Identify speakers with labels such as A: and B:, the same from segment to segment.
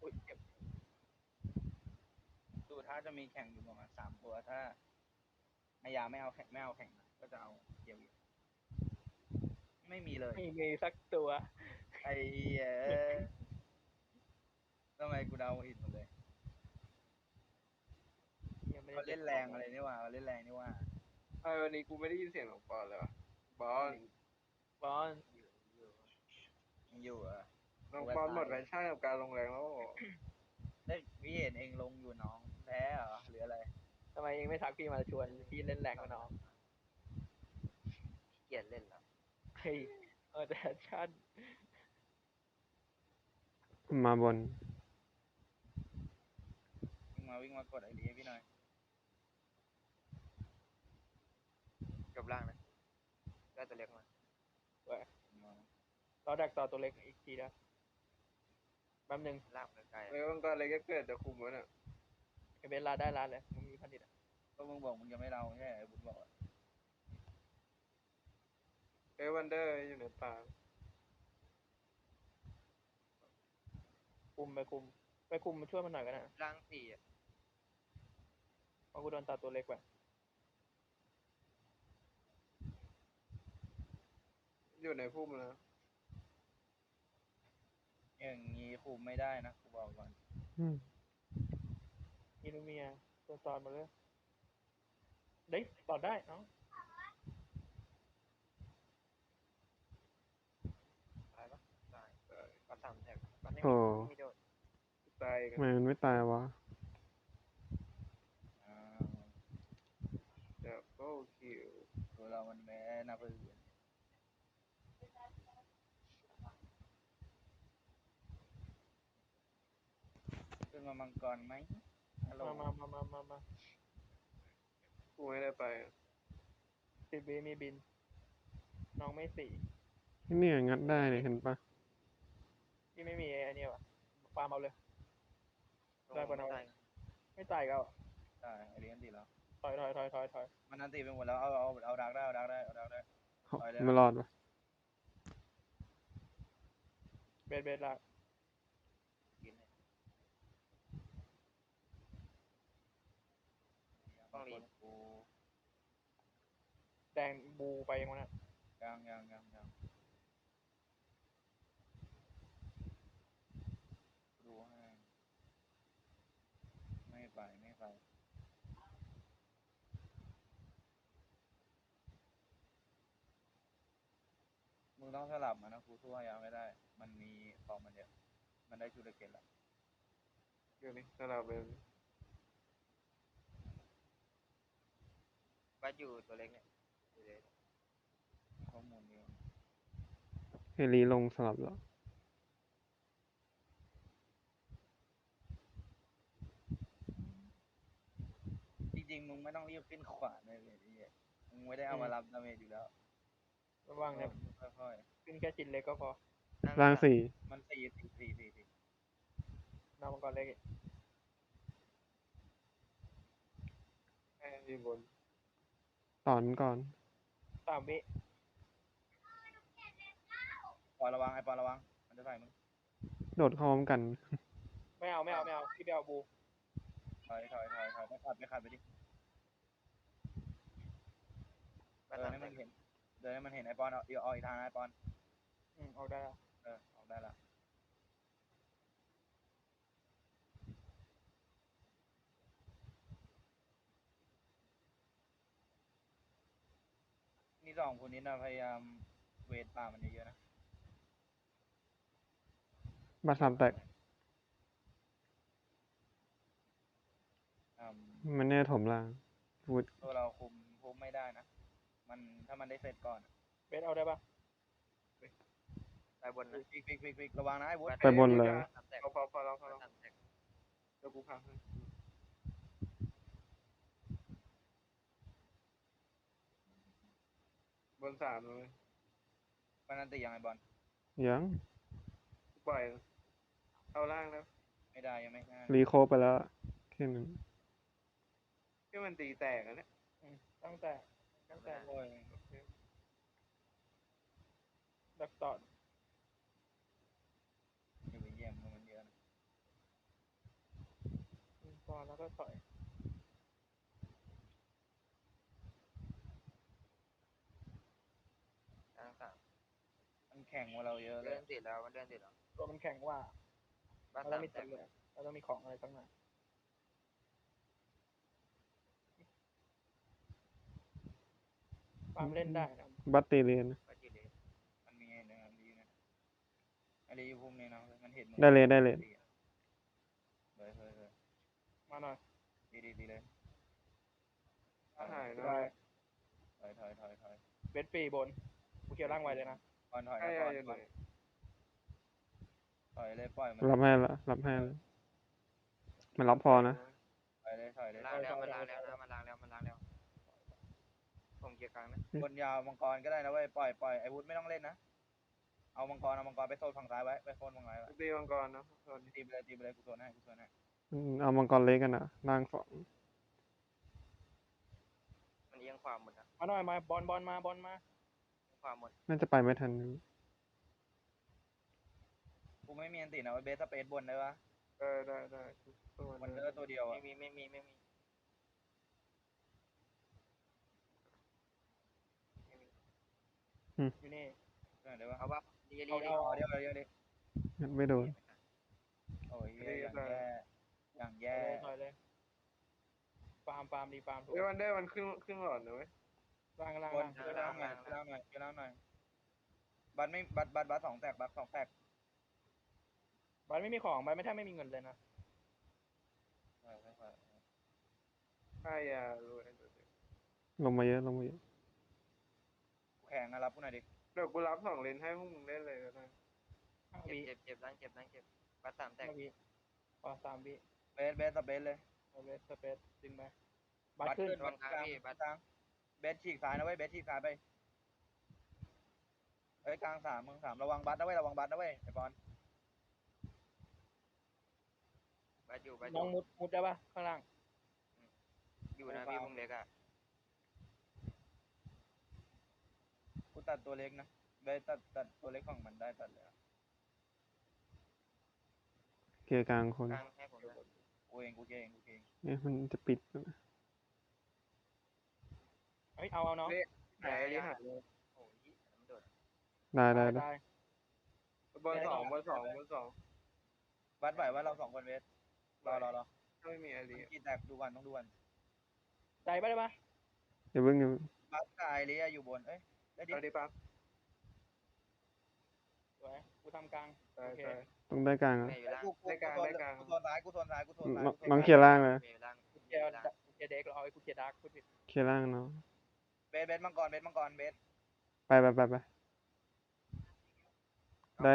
A: อุ้ยเจ็บดูถ้าจะมีแข่งอยู่ประมาณ3 ตัวถ้าไอยาไม่เอาแข่งนะก็จะเอาเกียวอีกไม่มีเลย
B: ไม่มีสักตัว
A: ไอ้เหี้ยทำไมกูเดาผิดหมดเลย
B: ยังไม่ได้
A: เขาเล่นแรงอะไรนี่ว่าเขาเล่นแรงนี่ว่า
C: วันนี้กูไม่ได้ยินเสียงของปอนเลยวะบอล
B: บอล
A: ยังอยู่เหรอ
C: น้องบอลหมดแพชชั่นกับการลงแรงแล้ว
A: เฮ้ยพี่เห็นเองลงอยู่น้องแพ้เหรอหรืออะไร
B: ทำไมเองไม่ทักพี่มาชวนพี่เล่นแรงกับน้อง
A: เกลียดเล่นเหรอ
B: เฮ้ยแต่ชั่น
D: มาบน
A: วิ่งมากดไอเดียพี่หน่อยจบล่างนะได้ตัวเล็กมา
B: เราดักต่อตัวเล็กอีกทีนะแป๊บนึง
A: ล่างไกล
C: มันก็อะไรก็เกิดจะคุมวะเนี่ย
B: ไอเบสลาได้ลาเลยมึงมีพันธิตอ่ะ
A: ก็มึงบอกมึงจะไม่เราใช่ไหมบุญบอก
C: วันเดอร์อยู่ในป่า
B: คุมมาช่วยมันหน่อยกันนะ
A: ล่าง4อ่ะ
B: เพราะกูโดนตัดตัวเล็กไป
C: อยู่ในพุ่มนะ
A: อย่างงี้คุมไม่ได้นะกูบอกก่อน
D: อืม
B: อินูเมียตัวตอนมาเลยเด้ยต่อได้เนาะ
A: ตายปะตายก็3 แท็กก็ไม่
D: โอ้
A: มีโดด
C: ตายกั
D: ทำ
C: น
D: ไมมันไม่ตายวะ
C: ดับเบิลคิว
A: ตัวเรามันแม้นาปืนขึ้นมามังกรไหมฮัลโหล
B: มา
C: กูไม่ได้ไป
B: ติดบีมีบิน น้องไม่สี่
D: เนี่ยงัดได้เนี่ยเห็นปะ
B: พี่ไม่มีไอ้เนี่ยวะฟาร์มเอาเลย ได้ปะนะไม่ตายก็
A: ได้ไอเดียนตีแล้ว
B: ถอย
A: มันนันตีไปหมดแล้วเอาดักได้เอาดักได้เอาดักได้ ไปเลยนะ
D: ไม่รอดวะ
B: เบสละ
A: กินเลยต้องรีบกู
B: แดงบูไปยังวะนะ
A: ยังดูให้ไม่ไปมึงต้องสลับมันนะกูสู้ให้ยังไม่ได้ มันมีของมันเดียวมันได้ชูดเกตแล้ว
C: เดี๋ยวนี้ถ้าเราเป็น
A: บัดอยู่ตัวเล็กเนี่ยข้อมูลเดียว
D: เฮลีลงสลับแล้ว
A: จริงๆมึงไม่ต้องรีบขึ้นขวาเลยไอ้เหี้ยมึงไม่ได้เอามารับดาเมจอยู่แล้ว
B: ระวังเนี่ย
A: ค่อย
B: ขึ้นแค่ชิ้นเล็กก็พอ
A: ๆ
D: ร่างสี่
A: มัน4
B: น้องมังกรเล็ก
C: อยู่บน
D: ตอนก่อน
B: 3 วิ
A: ปอนระวังไอ้ปอนระวังมันจะใส่มึง
D: โดดเข้าพร้อมกัน
B: ไม่เอาพี่ไปเอาบู
A: ถอยไม่ขัดไปดิเดินให้มันเห็นไอ้ปอนเอาอีกทางไอ้ปอน
B: ออกได้ละ
A: ออกได้ละนี่2 คนนี้นะพยายามเวทป่ามันเยอะๆนะ
D: บาสามแตก
A: อืม
D: มันแน่ถมล่างพูด
A: ตัวเราคุมไม่ได้นะมันถ้ามันได้เสร็จก่อน
B: เบสเอาได้ปะ
A: ไปบนนะฟิกระวังนะไอ้วุฒิ
D: ไปบนเลย
C: พอแล้วเดี๋ยวกูพักให้บน3เลย
A: มันนันตียังไงบอล
D: ยัง
C: กูปล่อยเอาล่างแล้ว
A: ไม่ได้ยังไม่ได้
D: รีโคไปแล้วแค่นั้น
C: ที่มันตีแตกอะเนี่ย
B: ตั้งแต่
A: โอ้ย
B: ดักต่อ
A: อย่าไปเยี่ยมมันเยอะนะ
B: ก็ถอย
E: กลางสาม
A: มันแข่งกว่าเราเยอะเล
E: เลื่
A: ย
E: อนติดแล้วมันเลื่อนติดแล้ว
B: ตัวมันแข็งว่า
E: บ้าน
B: เราต้
E: สา
B: อง
E: ม
B: มี
E: แต
B: ตั
E: ก
B: วเลยเราต้องมีของอะไรสักหน่อยความเล่นได้นะ
D: บัตตีเรียน
E: ก็จีเลย
A: มันมีไอ้เนี่ยดีนะไอ้ดีอยู่พุ่มนี้นะมันเห็นมึง
D: ได้เลยได้เลย
A: เฮ้ย
B: มาหน่อย
A: ดีเลย
C: หายนะ
B: ได้
A: ถอย
B: เบสฟรีบนกูเกี่ยวร่างไวเลยนะ
A: ก่อนถอย
C: ไอ้
A: นะ
C: ยา
A: ก่อน
C: อยู่ไหน
A: ถอยเลยปล่อยมัน
D: รับให้ละรับให้ละมันรับพอนะ
A: ถอยเลย
E: ล้างแล้วมันล้างแล้วนะมันล้างแล้วมันล้างแล้วผมเกียร์กลางนะ
A: บนยาวมังกรก็ได้นะเว้ยปล่อยไอ้วุฒิไม่ต้องเล่นนะเอามังกรไปโซนฝั่งซ้ายไว้ไปโซนฝั่งซ้ายไว้
C: ตีมังกรนะตอนนี้
A: ตีไปเลยกูโซนให้
D: เอามังกรเล็กกันอ่ะล่างสอง
E: มันเอียงขวาหมดนะ
B: มาหน่อยมาบอลมา
E: เอียงขวาหมด
D: น่าจะไปไม่ทัน
A: กูไม่มีอันตินะไว้เบสสเปซบนได้ปะ
C: ได้ตัว
A: มัน
C: นึ
A: เลื
C: ง
A: อตัวเดียวอะ
E: ไม่มี
B: อยู่นี่
A: ได้ปะ
E: เอาว่าดี
B: เอา
E: ดี
B: เอา
A: เดียวดิ
D: ไม่โดน
A: โอ้ยอย่างแย่
B: ถอยเลยฟาร์มดีฟาร์มถูก
C: เฮ้ยวันได้มันขึ้นหลอดนะเว้ย
B: ล่าง
A: บนเยอะแล้วหน่อยบัตไม่บัตสองแตก
B: บัตไม่มีของบัตไม่แทบไม่มีเงินเลยนะ
C: ไอ้ยารวย
D: ลงมาเยอะ
A: แข่งนะรับกูหน่อยดิ
C: เดี๋ยวกูรับ2 เลนให้พวกมึงเล่นเลยก็ได้
B: 5 วิ
E: เจ็บล้างเจ็บบ้านสามแตก
B: 5 วิพอ3 วิ
A: เบสสเปซเลย
B: เอาเบสสเปซดึงไปบัตขึ้น
A: บัตกลางเบสฉีกซ้ายนะเว้ยเบสฉีกซ้ายไปเฮ้ยกลาง3มึง3ระวังบัตนะเว้ยไอ้บอล
E: บ้านอยู่
B: น้องมุดได้ปะข้างล่าง
E: อยู่นะพี่พุ่มเล็กอ่ะ
A: กูตัดตัวเล็กนะเบสตัดตัวเล็กของมันได้ตัดเลย
D: เกียร์กลางคน
E: กลางให้ผมนะ
A: กูเอง
D: มันจะปิด
B: เฮ้ยเอาน้อง
C: หายดิหายเลย
E: โอ้ยมันโดด
D: ได้
B: ได้
C: บอล2
A: บัตไหวว่าเรา2คนเบสรอ
C: ถ้าไม่มีไอรี
A: กี่แตกดูก่อนต้องดูก่อน
B: ได้ปะได้ปะ
D: เดี๋ยวเพิ่ง
A: บัตกับไอเลียอยู่บนเอ้ยได้ดิ
C: เอาดิปั๊บ
B: สวยกูทำกลาง
C: ได้
B: โอเค
D: ต้องได้กลางอ่ะ
E: แม่อยู่ล่าง
A: กูโซนซ้ายกูโซนซ้าย
D: น้องเคลียร์ล่างเลย
E: แม่อยู่ล่าง
B: กูเกียร์เด็กเราเอาไอ้กูเกียร์ดาร์กพูดผิด
D: เคลียร์ล่างเนาะ
A: เบสมังกรเบส
D: ไปได้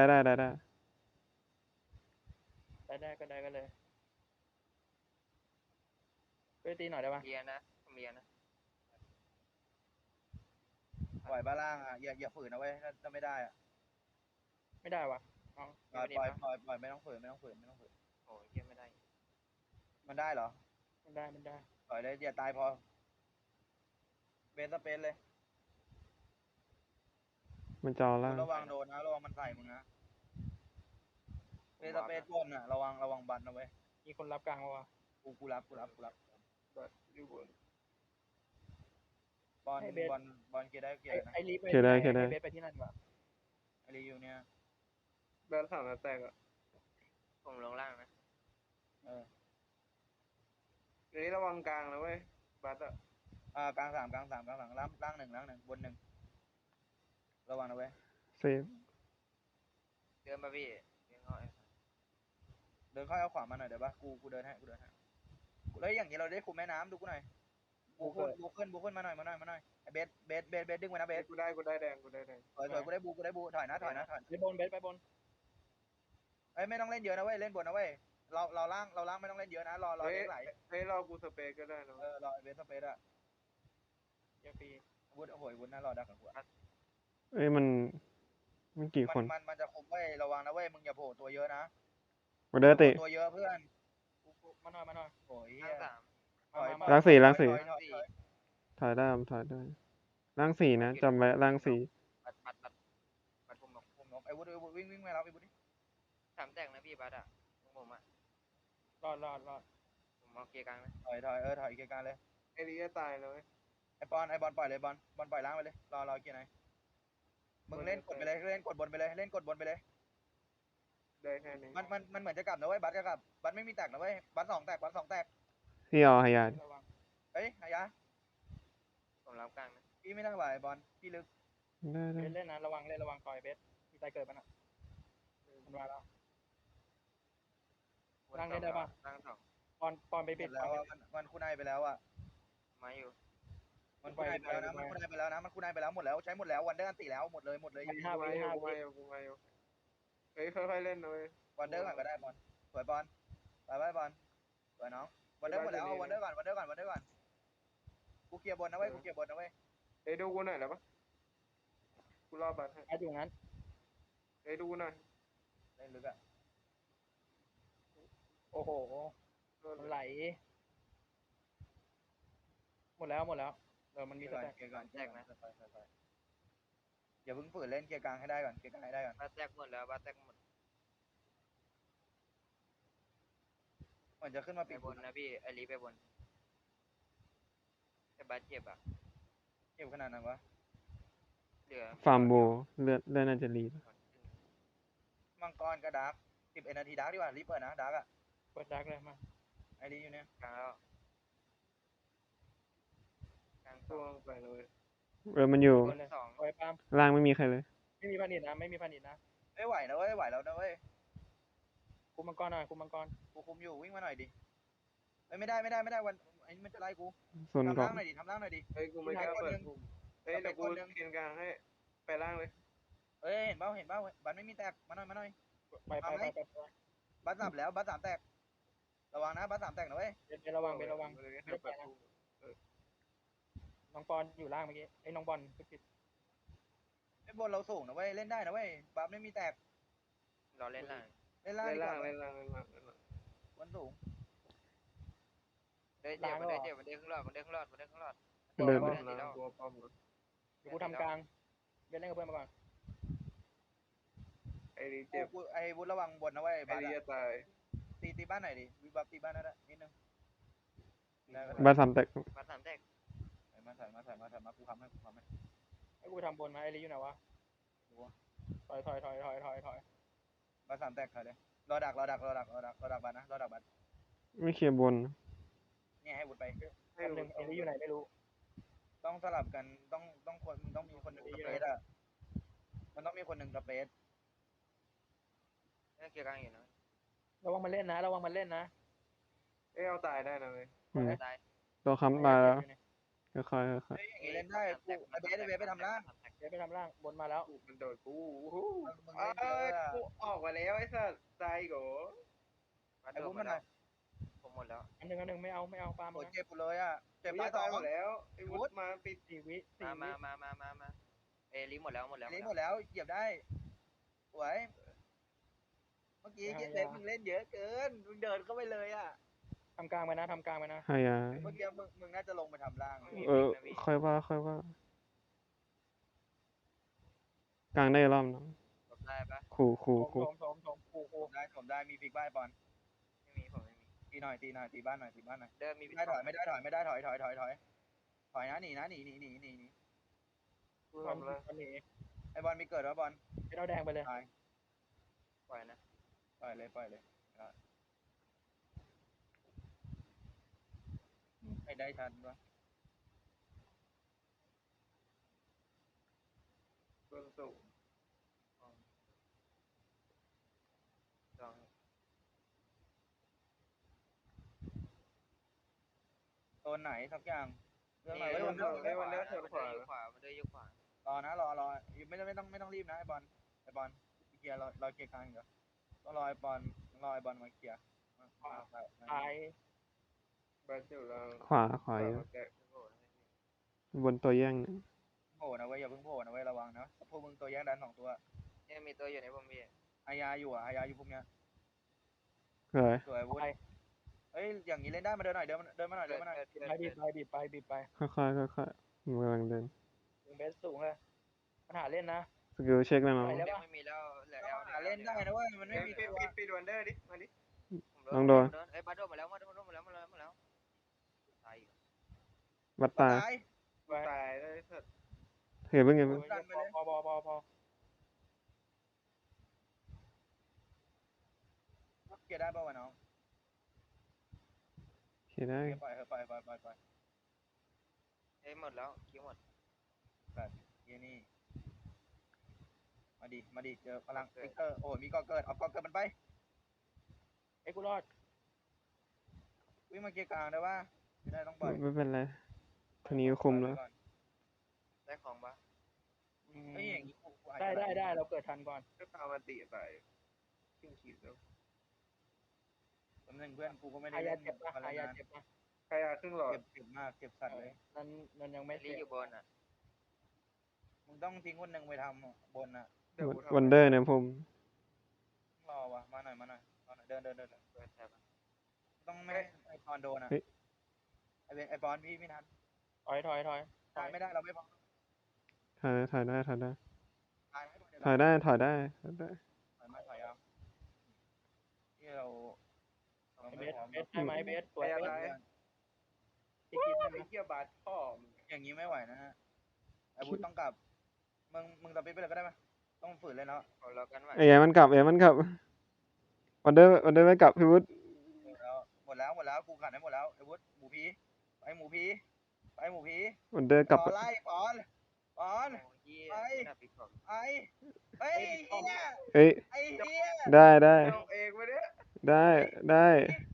B: ได้ก็เลยไปตีหน่อยได้ปะ
E: เรียนนะผมเรียนนะ
A: ปล่อยบ้าล่างอ่ะอย่าฝืนนะเว้ยถ้าไม่ได้อ่ะ
B: ไม่ได้วะน้อง
A: ปล่อยไม่ต้องฝืน
E: โอ้ยเยี่ยไม่ได้
A: มันได้เหรอ
B: มันได้
A: ปล่อยเลยอย่าตายพอเบสสเปซเลย
D: มันจอล่าง
A: ระวังโดนนะระวังมันใส่มึงนะเบสสเปซบนอ่ะระวังบัตนะเว้ย
B: มีคนรับกลางวะ
A: กูรับ
C: อยู่บน
A: บอลเกียร์ได้เกียร์นะ
B: ไอ้ลีไป
D: เคลียร์ได้
B: ไอ้เบสไปที่นั่นดีกว่า
A: ไอรีอยู่เนี่ย
C: แบน3 นัดแตกอ่ะ
E: ผมลงล่างนะ
C: ทีนี้ระวังกลางนะเว้ยบัสอ่ะ
A: กลาง3ล่าง1บน1ระวังนะเว้ย
D: เซฟ
E: เดินมาพี่เดินเข้า
A: เดินเข้าเอาขวามาหน่อยเดี๋ยวปะกูเดินให้แล้วอย่างนี้เราได้คุมแม่น้ำดูกูหน่อยบูขึ้นมาหน่อยไอเบสดึงไว้นะเบส
C: กูได้แดง
A: สวยกูได้บูถอยนะ
B: ไปบนเบสไปบน
A: เอ้ยไม่ต้องเล่นเยอะนะเว้ยเล่นบนนะเว้ยเราล่างไม่ต้องเล่นเยอะนะรอเล่นไหล
C: เฮ้ยรอกูสเปซก็ได้นะ
A: รอเบสสเปซอะ
B: เกียร์ฟรี
A: วุฒิโอ้ยวุฒิน่ารอดักกับกู
D: มันกี่คน
A: มันจะคุมเว้ยระวังนะเว้ยมึงอย่าโผล่ตัวเยอะนะ
D: มาเดอติ
A: ตัวเยอะเพื่อน
B: มาหน่อย
A: โอ้ย
E: ล่างสาม
D: ล้างสี่
E: สี่
D: ถ่ายได้ล่างสี่นะจำไว้ล่างสี่
E: บัดผมบอก
A: คุมนกไอ้วุฒิวิ่งมาแล้วไอ้วุฒิ
E: สามแตกนะพี่บัดอ่ะผมอ่ะ
B: รอด
E: ผมองเกียร์กลางนะ
A: ถอยเกียร์กลางเลย
C: ไอ้ลีจะตายเลย
A: ไอบอลปล่อยเลยบอลปล่อยล้างไปเลยรอเกียร์ไหนมึงเล่นกดไปเลยเล่นกดบนไปเลยเล่นกดบนไปเลย
C: ได้แค่นี้
A: มันเหมือนจะกลับนะเว้ยบัสจะกลับบัสไม่มีแตกนะเว้ยบัส2 แตกบัส2 แตก
D: พี่เอาหายาดิ
B: ระวัง
A: เฮ้ยอายะ
E: ผมรับกลางนะ
A: พี่ไม่ต้องไหวบอลพี่ลึก
D: ได้ได้
B: เล่นนะระวังเล่นระวังต่อยเบสมีใจเกิดมันอ่ะมันมาแล้ว ร่างเล่นได้ปะ
E: ร่างสอง
B: ปอนไป
A: หม
B: ปิด
A: ดแล้วอะมันคุณนายไปแล้วอ่ะ
E: มาอยู่
A: มันคุณนายไปแล้วนะมันคุณนายไปแล้วนะมันคุณนายไปแล้วหมดแล้วใช้หมดแล้ววันเดอร์อันติแล้วหมดเลย
C: กูมาอยู่เฮ้ยค่อยๆเล่นเลย
A: วันเดอร์ก่อนก็ได้บอลสวยบอลไปบอลสวยน้องวันเดอร์หมดแล้วเอาวันเดอร์ก่อนกูเคลียร์บนนะเว้ย
C: เฮ้ยดูกูหน่อยแล้วปะกูรอบัตรให้
B: ไอ้อยู่งั้น
C: เฮ้ยดูหน่อย
A: เล่นลึกอ่ะ
B: โอ้โหมันไหลหมดแล้วมันมี
A: เกีย
B: ส
A: ร์ก่อน
B: แต็ก
A: เกียร์ก่อนอย่าเพิ่งฝืนเล่นเกียร์กลางให้ได้ก่อนเกียร์กลางให้ได้ก่อน
E: บ้านแตกหมดแล้วบ้านแตกหมด
A: มันจะขึ้นมา
E: ไป
A: ปิด
E: บนนะพี่ไอรีไปบนแต่บ้านเจ็บอ่ะ
A: เก็บขนาดนั้นวะ
E: เหลือ
D: ฟาร์มโบเลือดน่าจะรีบ
A: มังกรกับดาร์ก11 นาทีดาร์กดีกว่ารีบเปิดนะดาร์กอ่ะ
B: เปิดดักเลยมา
A: ไอรีอยู่เนี่ย
E: กลางแล้วกลางส
C: ช่
E: อ
C: ว
E: ง
C: งไปเลย
D: มันอยู่
B: บนเลย
E: สอง
B: โอ้ยปาม
D: ล่างไม่มีใครเลย
B: ไม่มีพันอิดนะไม่มีพันอิดนะ
A: ไม่ไหวนะเว้ยไหวแล้วนะเว้ย
B: คุมมังกรหน่อยคุมมังกร
A: กูคุมอยู่วิ่งมาหน่อยดิไม่ได้วันไอ้มันจะไล่กู
D: ส่วน
A: ทำ
D: ก่อ
A: ล่าน งหน่อยดิทำล่างหน่อยดิ
C: เฮ้ยกูไม่กล้าเปิดเฮ้ยเดี๋ยวกูเกียนกลางให้ไปล่างเลย
A: เอ้ยเห็นเปล่าบัตรไม่มีแตกมาหน่อย
B: ไป
A: บัตร3แล้วบัตร3แตกระวังนะบัตร3แตกนะเว้ย
B: เป็นระวังน้องปอนอยู่ล่างเมื่อกี้ไอ้น้องบอลผิด
A: ไอ้บนเราสูงนะเว้ยเล่นได้นะเว้ยบัตรไม่มีแตก
E: รอเล่นล่าง
A: เล่นล่าง
C: เล่น
A: ดีก
C: ล่าง
A: ว่า
C: เล่นล่าง
A: บนสูง
E: ได้เจ็บมันได้ข้างหลอดมันได้ข้างหลอด
D: เดิน
C: ตัวป้อม
B: เดี๋ยวกูทำกลางเบสเล่นกับเพื่อนมาก่อน
C: ไอ้ลีเจ็บ
A: ไอ้บุญระวังบนนะเว้ย
C: ไอ้
A: บัตร
C: ลีจะตาย
A: ตีบ้านหน่อยดิวิบับตีบ้านนั่นแหละนิดนึง
D: บาสามแตก
E: บ้านสามแตก
A: มากูทำให้
B: ไอ้กูทำบนมาไอ้ลีอยู่ไหนวะถอย
A: บัตร3แตกใครเลยรอดักบัตรนะรอดักบัตร
D: ไม่เคลียร์บน
A: เนี่ยให้บุญไป
B: แป๊บนึงไอ้ลีอยู่ไหนไม่รู้
A: ต้องสลับกันต้องมีคนหนึ่งสเปซอ่ะมันต้องมีคนหนึ่งสเปซ
E: นี่เกียร์กลางอยู่นะ
B: ระวังมันเล่นนะ
C: เอ้ยเอาตายได้นะเว้ย
E: ตาย
D: ตัวค้ำตายแล้วค่อยๆ
A: เฮ้ยอย่างนี้เล่นได้กูไอเบสไปทำล่าง
B: เบสไปทำล่างบนมาแล้ว
C: มันโดดกู
A: มึง
C: เอ้
A: เล่นเย
C: ย
A: อะ
C: กูออกมาแล้วไอ้สัสตายโก
E: บ้าน
A: ไอ้
E: โด
A: บุ้
E: น
A: ม
E: หม
A: มั
E: ด
A: นหน่
E: แล้
A: อ
E: วย ผมหมดแล้ว
B: อันหนึ่งไม่เอาปาล์ม
A: โอ้
B: นะ
A: เจ็บกูเลยอ่ะเจ็บ
C: กู
A: ป้า
C: จะ
A: สอ
C: ตาย
A: ง
C: หมดแล้วไอ้วุฒมาปิด
B: 4 วิ
E: มาเอรีหมดแล้ว
A: นี้หมดแล้วเหยียบได้สวยเมื่อกี้เล่นมึงเล่นเยอะเกินมึงเดินเข้าไปเลยอ่ะ
B: ทำกลางไปนะ
D: หายา
A: เมื่อกี้มึงน่าจะลงไปทำล่าง
D: ค่อยว่า กลางได้รอบนะ
E: ได้ปะ
D: ขู่
B: โถม
A: ผมได้มีฟิกบ้านบอล
E: ไม่มีผมไม่มี
A: ตีหน่อยตีบ้านหน่อย
E: เดิมมี
A: ไม่ได้ถอยไม่ได้ถอยนะหนี
C: กูทำแล้ว
B: ตอนนี้
A: ไอบอลมีเกิดวะบอล
B: เป็นเอาแดงไปเลย
E: ปล่อยนะ
A: ปล่อยเลยไอ้ได้ทันวะ
C: ต้นสูง
E: ลอง
A: โซนไหนสักอย่างเรื่องอะไร
E: เอ้ย
A: วัน
E: มันเดินอยู่ขวาร
A: อนะรอไม่ต้องรีบนะไอบอลเคลียร์รอเคลียร์กลางเดี๋ยวต้องรอไอบอลมาเคลียร์
B: ตาย
C: บ้านอยู่ล่าง
D: ขวาเยอะบนตัวแย่งเนี่ย
A: โผล่นะเว้ยอย่าเพิ่งโผล่นะเว้ยระวังนะพวกมึงตัวแย่งดัน2 ตัว
E: เนี่ยมีตัวอยู่ในผมพี่
A: อายาอยู่พวกเนี้ย
D: เลย
A: สวยวุ้นเอ้ยอย่างนี้เล่นได้มาเดินมาหน่อย
B: ไปบีบไป
D: ค่อยๆมันกำลังเดิน
B: ถึงเบสสูงเลยปัญหาเล่นนะ
D: สกิลเช็คแล้วนะ
E: ไม่มีแล้วเหลือ
A: หาเล่นได้นะเว้ยมันไม่มี
C: ปิดวันเดอร์ดิมาดิ
E: ไอ้บ้านโดนมาแล้ว
D: วัดตาย
C: กูตายได้สัตว์
D: เห็นเพิ่งไง
B: โอ้ยพอ
A: เกียร์ได้ป่าววะน้อง
D: เห็นได้
A: เกียร์ปล่อยเถอะปล่อย
E: เอ้ยหมดแล้วคิวหมด
A: แบบเกียร์นี่มาดิเจอพลังฟิกเกอร์โอ้ยมีก่อเกิดเอาก่อเกิดมันไป
B: ไอ้กูรอด
A: วิ่งมาเกียร์กลางได้ป่ะไม่ได้ต้องปล่อย
D: ไม่เป็นไรทีนี้คุมแล้ว
E: ได้ของปะ
A: เฮ้ยอย่างนี้กูอาจ
B: ได้
A: จะ
B: ได้เราเกิดทันก่อน
C: ก็ตามมาติไปขึ้นขีดแล้ว
A: แป๊บนึงเพื่อนกูก็ไม่ได้
B: อายา
A: เล่น
B: เจ็บนะ
A: อะไร
B: อายา
A: นะ
B: เจ็บนะ
C: ใครครึ่งหลอด
A: เจ็บมากเจ็บสัตว์เลย
B: นั้นยัง
E: ไม่
B: ไม่
E: รี
B: เสร็จ
E: อยู่บนอ่ะ
A: มึงต้องทิ้งคนหนึ่งไปทำบนอ่ะ
C: เดี๋ยวกูทำ
D: วันเดอร์เนี่ยผม
A: รอวะมาหน่อยเดิน
E: เปิดแถบอะ
A: ต้องไม่ให้ไอปอนโดนอ่ะไอปอนพี่ไม่ทัน
B: ถอย
A: ไม่ได้เราไม่พอ
D: ถ่ายได้
A: ตายให้
D: ถ่ายได้
A: ถอยเอาที่เรา
B: เบสได้ไหมเบสสวย
C: ไอ้
B: เบ
C: อะไร
B: สที่คิดได้ไหม
C: ไอ้เหี้ยบาสพ่อมึง
A: อย่างนี้ไม่ไหวนะฮะไอบูต้องกลับมึงตัดไปเลยก็ได้ไหมต้องฝืนเลยเนาะ
E: เอาแล้วกันไหว
D: เอ้ยมันกลับวันเดอร์ไม่กลับพี่วุฒิ
A: หมดแล้วกูขัดให้หมดแล้วไอ้วุฒิหมูพีไปหมูพี
D: วันเดอร์กลับ
A: ไล่ปอน
E: โอ้ยเหี้ย
A: ไป
E: ดับอีกของ
A: ไอ้เฮ้ย
D: เอ้ย
A: ไอ้เหี้ย
D: ได้
C: เอาเองไปเนี่ย
D: ได้
A: ไ